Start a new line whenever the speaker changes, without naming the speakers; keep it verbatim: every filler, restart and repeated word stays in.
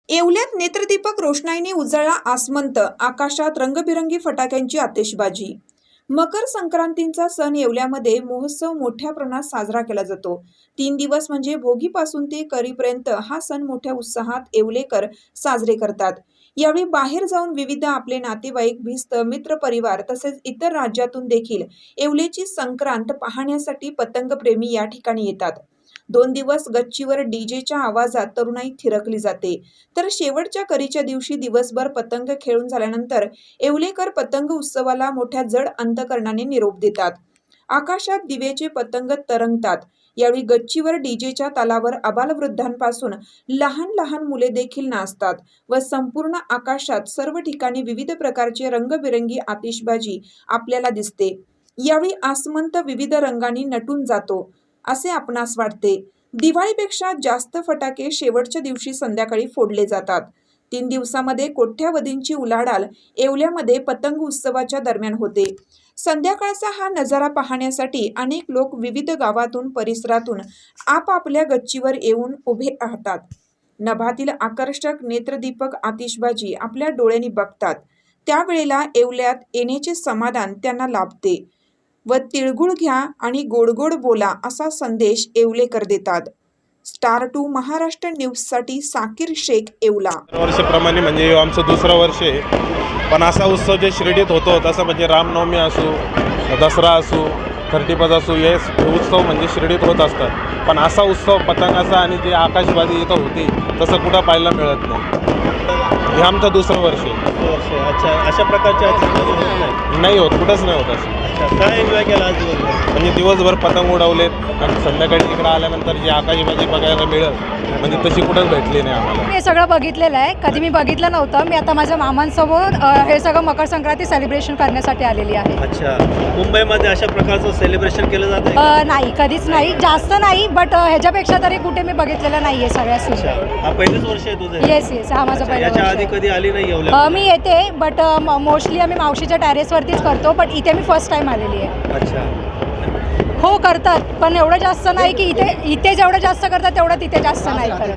येवल्यात नेत्रदीपक रोषणाईने उजळला आसमंत, आकाशात रंगबिरंगी फटाक्यांची आतिषबाजी। मकर संक्रांतीचा सण येवल्यामध्ये महोत्सव मोठ्या प्रमाणात साजरा केला जातो। तीन दिवस म्हणजे भोगीपासून ते करीपर्यंत हा सण मोठ्या उत्साहात येवलेकर साजरे करतात। यावेळी बाहेर जाऊन विविध आपले नातेवाईक, भिस्त, मित्र परिवार तसेच इतर राज्यातून देखील येवल्याची संक्रांत पाहण्यासाठी पतंगप्रेमी या ठिकाणी येतात। दोन दिवस गच्चीवर डीजेच्या आवाजात तरुणाई थिरकली जाते, तर शेवटच्या करीच्या दिवशी दिवसभर पतंग खेळून झाल्यानंतर येवलेकर पतंग उत्सवाला मोठ्या जड अंतकरणाने निरोप देतात। आकाशात दिव्याचे पतंग तरंगतात। यावेळी गच्चीवर डीजेच्या तालावर आबालवृद्धांपासून लहान लहान मुले देखील नाचतात व संपूर्ण आकाशात सर्व ठिकाणी विविध प्रकारचे रंगबिरंगी आतिषबाजी आपल्याला दिसते। यावेळी आसमंत विविध रंगांनी नटून जातो असे आपणास वाटते। दिवाळीपेक्षा जास्त फटाके शेवटच्या दिवशी संध्याकाळी फोडले जातात। तीन दिवसामध्ये कोट्यावधींची उलाढाल येवल्यामध्ये पतंग उत्सवाच्या दरम्यान होते। संध्याकाळचा हा नजारा पाहण्यासाठी अनेक लोक विविध गावातून परिसरातून आपापल्या गच्चीवर येऊन उभे राहतात। नभातील आकर्षक नेत्रदीपक आतिषबाजी आपल्या डोळ्यांनी बघतात। त्यावेळेला येवल्यात येण्याचे समाधान त्यांना लाभते व तिळगुळ घ्या आणि गोडगोड बोला असा संदेश येवलेकर देतात। स्टार टू महाराष्ट्र न्यूजसाठी साकीर शेख, येवला।
वर्षाप्रमाणे म्हणजे हे आमचं दुसरं वर्ष आहे, पण असा उत्सव जे शिर्डीत होतो तसं म्हणजे रामनवमी असो, दसरा असो, थर्टीफर्स्ट असो, हे उत्सव म्हणजे शिर्डीत होत असतात। पण असा उत्सव पतंगाचा आणि जे आकाशबाजी इथं होती तसं कुठं पाहायला मिळत नाही। हे आमचं दुसरं वर्ष आहे।
वर्ष अच्छा, अशा प्रकारच्या आतिषबाजी होत नाही
नाही होत, कुठंच नाही होत असं।
अच्छा, काय एन्जॉय केला आज दिवसभर?
म्हणजे दिवसभर पतंग उडवलेत आणि संध्याकाळी इकडं आल्यानंतर जी आकाशबाजी बघायला मिळत म्हणजे तशी कुठंच भेटली नाही आम्हाला।
मी हे सगळं बघितलेलं आहे, कधी मी बघितलं नव्हतं। मी आता माझ्या मामांसोबत अ, हे सगळं मकर संक्रांती सेलिब्रेशन करण्यासाठी आलेली आहे।
अच्छा, मुंबईमध्ये अशा प्रकारचं सेलिब्रेशन केलं जातं का?
अ, नाही, कधीच नाही, जास्त नाही, बट ह्याच्यापेक्षा तरी कुठे मी बघितलेलं नाही आहे सगळ्या
अच्छा,
सुविधा।
हा पहिलेच वर्ष आहे तुझं?
येस येस हा माझा
अच्छा,
पहिला
याच्या
वर्ष
आधी
आहे।
कधी आली नाही येवल्या?
अ, मी येते, बट मोस्टली आम्ही मावशीच्या टेरेसवरतीच करतो, बट इथे मी फर्स्ट टाइम आलेली आहे।
अच्छा,
हो करतात, पण एवढं जास्त नाही की इथे इथे जेवढं जास्त करतात तेवढं तिथे जास्त नाही करत।